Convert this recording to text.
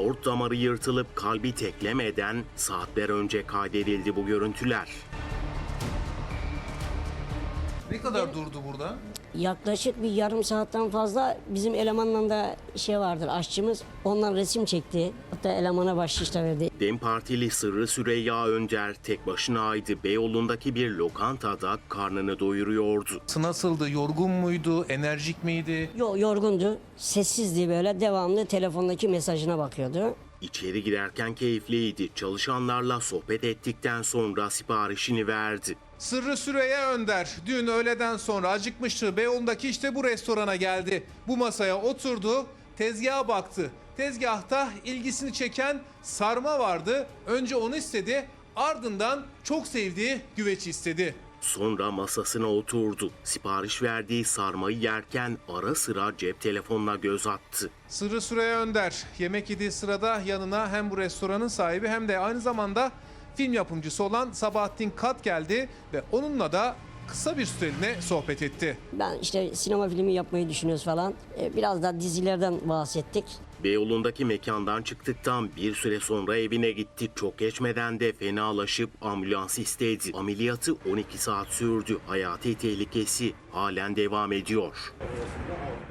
Aort damarı yırtılıp kalbi teklemeden saatler önce kaydedildi bu görüntüler. Ne kadar durdu burada? Yaklaşık bir yarım saatten fazla bizim elemanla da vardır, aşçımız. Ondan resim çekti. Hatta elemana bahşiş de verdi. DEM Partili Sırrı Süreyya Önder tek başınaydı. Beyoğlu'ndaki bir lokantada karnını doyuruyordu. Nasıldı? Yorgun muydu? Enerjik miydi? Yorgundu, sessizdi böyle. Devamlı telefondaki mesajına bakıyordu. İçeri girerken keyifliydi. Çalışanlarla sohbet ettikten sonra siparişini verdi. Sırrı Süreyya Önder dün öğleden sonra acıkmıştı. Beyoğlu'ndaki işte bu restorana geldi. Bu masaya oturdu, tezgaha baktı. Tezgahta ilgisini çeken sarma vardı. Önce onu istedi, ardından çok sevdiği güveci istedi. Sonra masasına oturdu. Sipariş verdiği sarmayı yerken ara sıra cep telefonuna göz attı. Sırrı Süreyya Önder yemek yediği sırada yanına hem bu restoranın sahibi hem de aynı zamanda film yapımcısı olan Sabahattin Kat geldi ve onunla da kısa bir süreliğine sohbet etti. Ben sinema filmi yapmayı düşünüyoruz falan. Biraz da dizilerden bahsettik. Beyoğlu'ndaki mekandan çıktıktan bir süre sonra evine gitti. Çok geçmeden de fenalaşıp ambulans istedi. Ameliyatı 12 saat sürdü. Hayati tehlikesi halen devam ediyor.